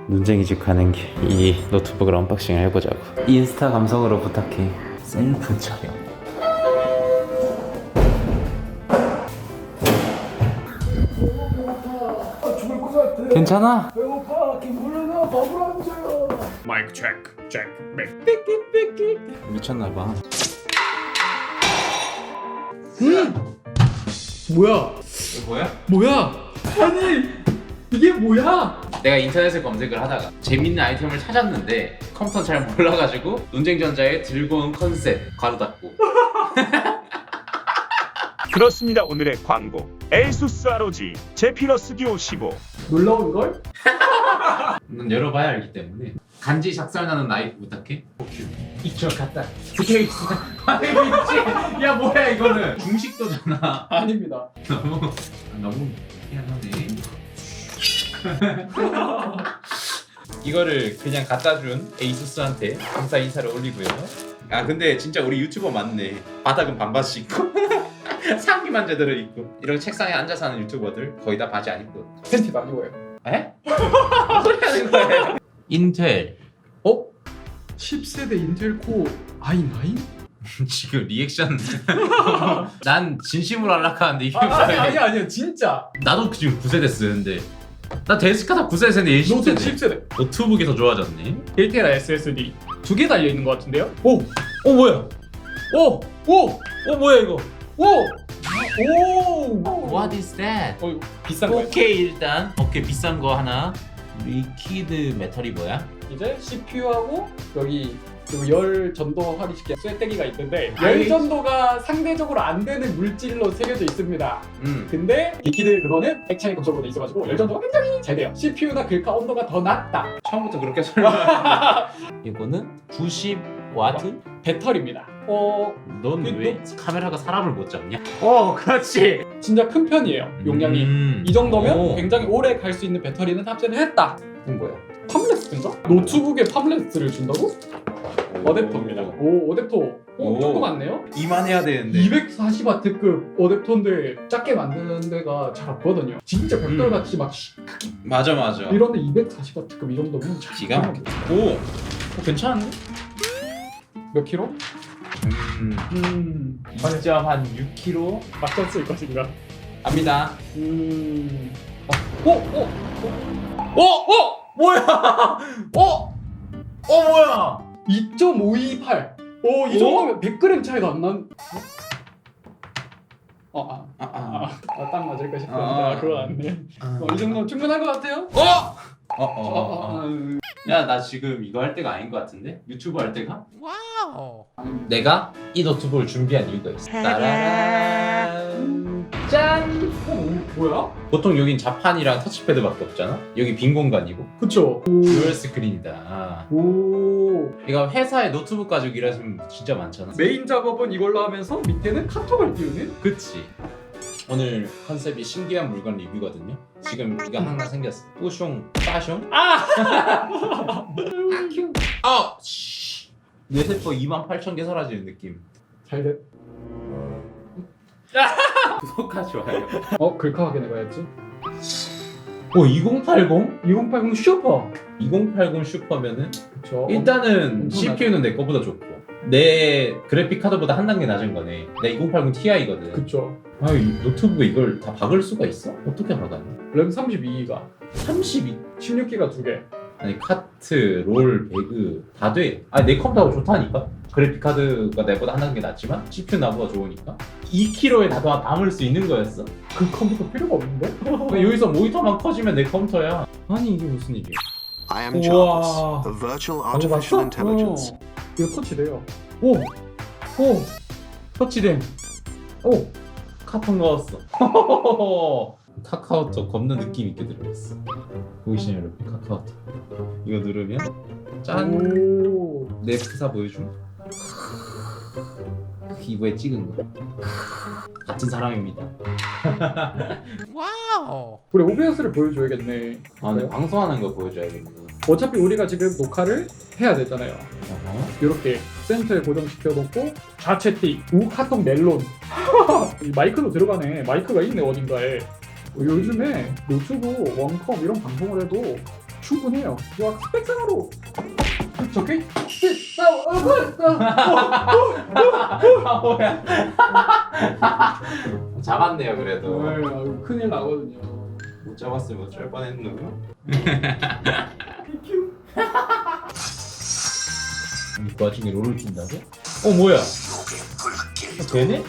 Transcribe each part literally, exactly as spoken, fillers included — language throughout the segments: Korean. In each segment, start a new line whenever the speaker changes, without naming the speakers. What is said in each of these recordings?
눈쟁이 집 가는 길 이 노트북을 언박싱을 해보자고. 인스타 감성으로 부탁해. 셀프 촬영.
아, 죽을 것 같아.
괜찮아?
배고파. 김불러나 밥을 안 줘요.
마이크 체크 체크 백.
미쳤나봐.
뭐야?
뭐야?
뭐야? 아니 이게 뭐야?
내가 인터넷에 검색을 하다가 재밌는 아이템을 찾았는데 컴퓨터 잘 몰라가지고 논쟁전자에 들고 온 컨셉 가로 닫고.
그렇습니다. 오늘의 광고 에이수스 알오지 제피러스 듀오 십오.
놀라운 걸?
넌 열어봐야 알기 때문에. 간지 작살나는 나이프 부탁해. 이쪽 갔다. 스케이스. 아니 미치. 야 뭐야 이거는. 중식도잖아.
아닙니다.
너무 너무 희한하네. 이거를 그냥 갖다 준 에이수스한테 감사 인사를 올리고요. 아 근데 진짜 우리 유튜버 맞네. 바닥은 반바지 입고 상의만 제대로 입고 이런 책상에 앉아서 하는 유튜버들 거의 다 바지 안 입고.
팬티도 아니고요.
에? 무슨 소리 하는 거예요? 인텔.
어? 십 세대 인텔 코어 아이 나인?
지금 리액션. 난 진심으로 하락하는데 이게
아, 아니
뭐야?
아니 아니요 진짜.
나도 지금 구 세대 쓰는데 나 데스크탑 구 세대인데 얘 십
노트북
세대.
십 세대.
노트북이 더 좋아졌네.
일 테라 에스에스디 두 개 달려 있는 것 같은데요? 오!
어 뭐야?
오! 오!
어 뭐야 이거?
오! 오!
What is that?
어, 이거 비싼 거예요?
오케이 일단 오케이 비싼 거 하나. 리퀴드 메탈이 뭐야?
이제 씨피유하고 여기 그리고 열 전도하기 쉽게 쇠떼기가 있는데
아이.
열 전도가 상대적으로 안 되는 물질로 새겨져 있습니다.
음.
근데 리퀴드 그거는 액체인 검정으로 있어가지고 열 전도가 굉장히 잘 돼요. 씨피유나 글카 온도가 더 낮다.
처음부터 그렇게 설명하는데 이거는 구십 와트?
배터리입니다. 어
넌
그
왜
노-
카메라가 사람을 못 잡냐? 어 그렇지.
진짜 큰 편이에요. 용량이.
음.
이 정도면
오.
굉장히 오래 갈 수 있는 배터리는 탑재를 했다.
그건 뭐야?
팜레스인가? 노트북에 팜레스를 준다고? 어댑터입니다. 오 어댑터. 오,
오.
조그맣네요.
이만해야 되는데.
이백사십 와트급 어댑터인데 작게 만드는 데가 잘 없거든요. 진짜 벽돌같이 막 시-
맞아 맞아.
이런데 이백사십 와트급 이 정도면 잘
기가 막히다. 오, 어, 괜찮은데?
몇 킬로?
음,
음
이 점 한 육 킬로그램
맞췄 쓸 것인가?
갑니다.
음 어? 어?
어, 어, 뭐야? 어, 어 뭐야?
이 점 오이팔 오, 이
오?
정도면 백 그램 차이가 안 난... 어? 아,
아, 아,
아, 아, 딱 맞을까 싶었는데
아.
아, 그거 아니네.
아.
어, 이 정도면 충분한 것 같아요?
어, 어, 어,
어,
어,
어,
어.
어.
야, 나 지금 이거 할 때가 아닌 것 같은데? 유튜브 할 때가? 와우. 내가 이 노트북을 준비한 이유가 있어. 따라란. 짠.
어, 뭐야?
보통 여긴 자판이랑 터치패드밖에 없잖아. 여기 빈 공간이고.
그쵸.
듀얼 스크린이다.
오.
이거 회사에 노트북 가지고 일하시면 진짜 많잖아.
메인 작업은 이걸로 하면서 밑에는 카톡을 띄우는?
그치. 오늘 컨셉이 신기한 물건 리뷰거든요. 지금 이거 하나 생겼어. 뿌숑, 빠숑.
아!
아큐. 아, 씨. 뇌세포 이만 팔천 개 사라지는 느낌.
잘 됐.
구독과 좋아요.
어? 글카 확인해봐야지.
오, 이공팔공?
이공팔공 슈퍼.
이공팔공 슈퍼면은
그쵸.
일단은
엄청
씨피유는 내 거보다 좋고 내 그래픽 카드보다 한 단계 낮은 거네. 내 이공팔공 티아이거든.
그쵸.
아, 이 노트북에 이걸 다 박을 수가 있어? 어떻게 박았냐?
램 삼십이 기가.
삼십이.
십육 기가 두 개.
아니 카트, 롤, 배그 다 돼. 아니 내 컴퓨터가 좋다니까. 그래픽 카드가 내보다 한 단계 낮지만 씨피유 나보다 좋으니까 이 킬로그램에 다 담을 수 있는 거였어?
그 컴퓨터 필요가 없는데?
근데 여기서 모니터만 커지면 내 컴퓨터야. 아니 이게 무슨 일이야?
I am
우와.
Jarvis, a virtual
방금
artificial
봤어?
intelligence.
어. 이거 터치돼요. 오! 오! 터치됨.
오! 카톡 넣었어. 카카오톡 겁나 느낌 있게 들어있어. 보이시나요 여러분? 카카오톡. 이거 누르면 짠!
오.
내 프사 보여줌. 이거에 찍은 거. 같은 사람입니다.
우리 오비에스를 보여줘야겠네.
아, 근데 방송하는 거 보여줘야겠네.
어차피 우리가 지금 녹화를 해야 되잖아요.
어허.
이렇게 센터에 고정시켜놓고 좌측 틱, 우 카톡 멜론. 이 마이크도 들어가네. 마이크가 있네 어딘가에. 어, 요즘에 노트북, 원컴 이런 방송을 해도 충분해요. 와 스펙상으로 적혀 있.
아 뭐야? 잡았네요 그래도.
큰일 나거든요.
못 잡았으면 어쩔 뻔했노. 그 와중에 롤을 킨다고? 어 뭐야? 어, 되네?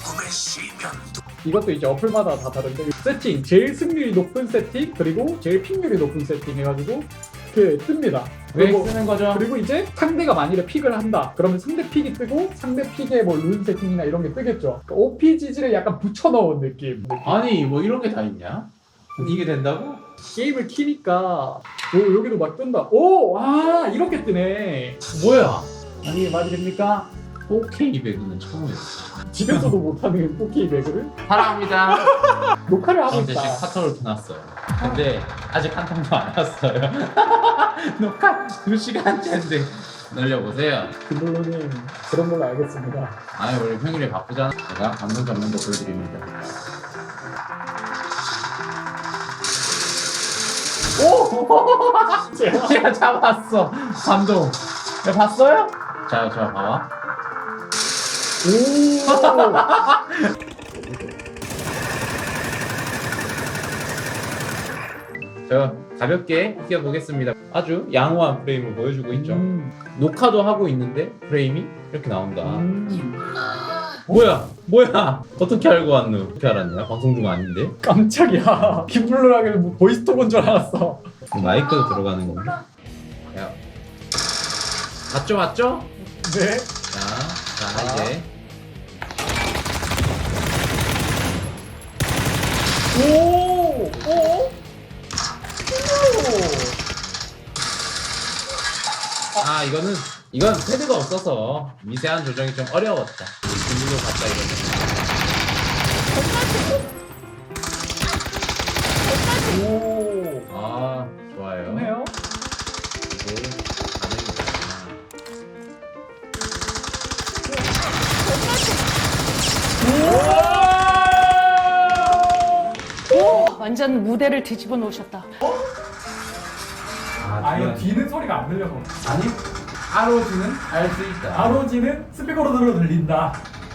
이것도 이제 어플마다 다 다른데 세팅 제일 승률이 높은 세팅 그리고 제일 픽률이 높은 세팅 해가지고 이렇게 뜹니다.
왜
그리고,
쓰는 거죠?
그리고 이제 상대가 만일에 픽을 한다 그러면 상대 픽이 뜨고 상대 픽에 뭐 룬 세팅이나 이런 게 뜨겠죠. 그러니까 오피지지를 약간 붙여넣은 느낌.
아니 뭐 이런 게 다 있냐? 이게 된다고?
게임을 키니까 오 여기도 막 뜬다. 오! 아 이렇게 뜨네.
뭐야?
아니 이게 말이 됩니까?
오케이 배그는 처음이야.
집에서도 못하는 포케이 배그를
사랑합니다.
녹화를 하고
근데
있다.
지금 카톡을 켜놨어요. 근데 아직 한 통도 안 왔어요. 녹화 두 시간째인데 놀려보세요.
김블루님 그런 걸로 알겠습니다.
아니 원래 평일에 바쁘잖아. 제가 감동 잡는 거 보여드립니다.
오!
제가 잡았어. 감동. 야, 봤어요? 자, 자 봐봐.
오!
저 가볍게 뛰어보겠습니다. 아주 양호한 프레임을 보여주고 있죠.
음.
녹화도 하고 있는데 프레임이 이렇게 나온다.
음.
뭐야? 뭐야? 어떻게 알고 왔노? 어떻게 알았냐? 방송 중 아닌데?
깜짝이야. 김블루라길래 뭐 보이스톡인 줄 알았어.
마이크도 들어가는 건가? 야, 맞죠, 맞죠?
네.
자, 자 이제
오! 오!
아 이거는 이건 패드가 없어서 미세한 조정이 좀 어려웠다. 김블루 갔다 이거는.
오!
아 좋아요.
좋네요.
이게 가능이다.
오! 완전 무대를 뒤집어 놓으셨다.
아, 이거 뒤는 소리가 안 들려서.
아니 아로지는 알 수 있다.
아로지는 스피커로 들어 들린다.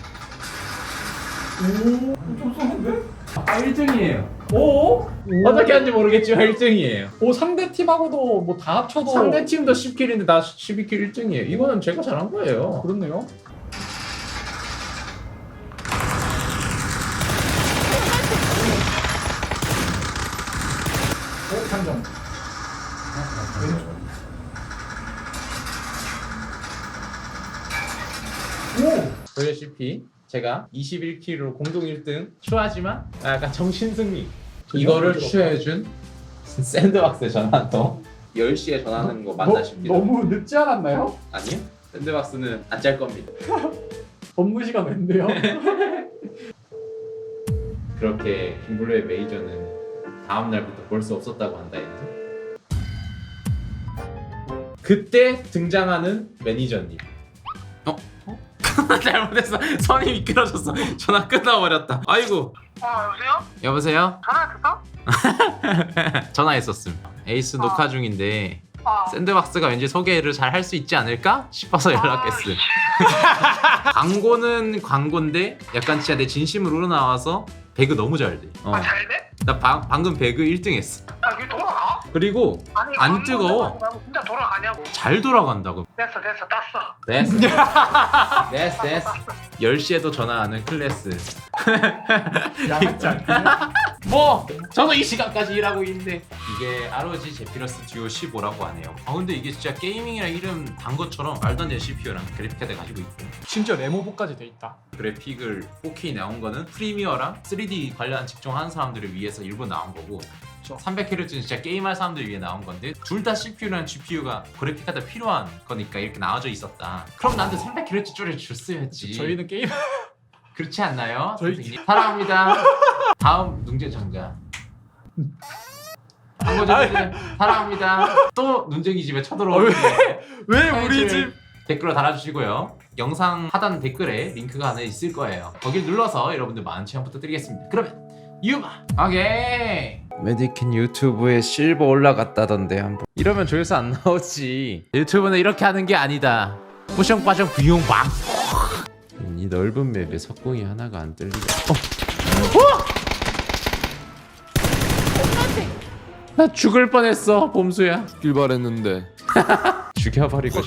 오, 좀 쏘는데?
아 일 등이에요.
오?
어떻게 하는지 모르겠지만 일 등이에요.
오, 상대 팀하고도 뭐 다 합쳐도
상대 팀도 십 킬인데 나 십이 킬 일 등이에요. 이거는 제가 잘한 거예요.
그렇네요. 오, 상점. 오!
보시다시피 제가 이십일 킬로 공동 일 등 추하지만 약간 정신승리. 이거를 취해준 샌드박스에 전화도 열 시에 전화하는 거 맞나 싶기도.
너무 늦지 않았나요?
아니요. 샌드박스는 안 짤 겁니다.
업무 시간 웬데요?
그렇게 김블루의 메이저는 다음 날부터 볼 수 없었다고 한다 했는데 그때 등장하는 매니저님. 어? 어? 잘못했어. 선이 미끄러졌어. 전화 끊어버렸다. 아이고.
어, 여보세요?
여보세요?
전화했어?
전화했었음. 에이스
어.
녹화 중인데
어.
샌드박스가 왠지 소개를 잘 할 수 있지 않을까 싶어서 연락했음. 광고는 광고인데 약간 진짜 내 진심으로 우러나와서 배그 너무 잘 돼. 어.
아, 잘 돼?
나 방, 방금 배그 일 등 했어.
아, 이게 돌아가?
그리고
아니,
안
광고
뜨거워.
나가고 나면 진짜 돌아가냐고.
잘 돌아간다고.
됐어, 됐어, 땄어.
됐어. 됐어, 됐어. 열 시에도 전화하는 클래스.
야하지 않겠네?
뭐 저는 이 시간까지 일하고 있는데 이게 알오지 제피러스 듀오 십오라고 하네요. 아 근데 이게 진짜 게이밍이랑 이름 단 것처럼 말도 안 되는 씨피유랑 그래픽카드 가지고 있고
심지어 레모버까지 돼 있다.
그래픽을 포케이 나온 거는 프리미어랑 쓰리디 관련 직종하는 사람들을 위해서 일부 나온 거고 삼백 헤르츠는 진짜 게임할 사람들 위해 나온 건데 둘 다 씨피유랑 지피유가 그래픽카드 필요한 거니까 이렇게 나와져 있었다. 그럼 나한테 삼백 헤르츠 줄여줬어야지.
저희는 게임
그렇지 않나요?
저희-
선생님? 사랑합니다. 다음 눈쟁장자. 한거죠 사랑합니다. 또 눈쟁이 집에 쳐들어오는
왜
우리 집 댓글로 달아주시고요. 영상 하단 댓글에 링크가 하나 있을 거예요. 거길 눌러서 여러분들 많은 체험 부탁드리겠습니다. 그러면 유바. 오케이. 메디킨 유튜브에 실버 올라갔다던데 한번. 이러면 조회수 안 나오지. 유튜브는 이렇게 하는 게 아니다. 뿌숑빠숑 비용방. 이 넓은 맵에 석궁이 하나가 안 뜰리가. 어. 어! 나 죽을 뻔했어 봄수야.
길 바랬는데
죽여버리고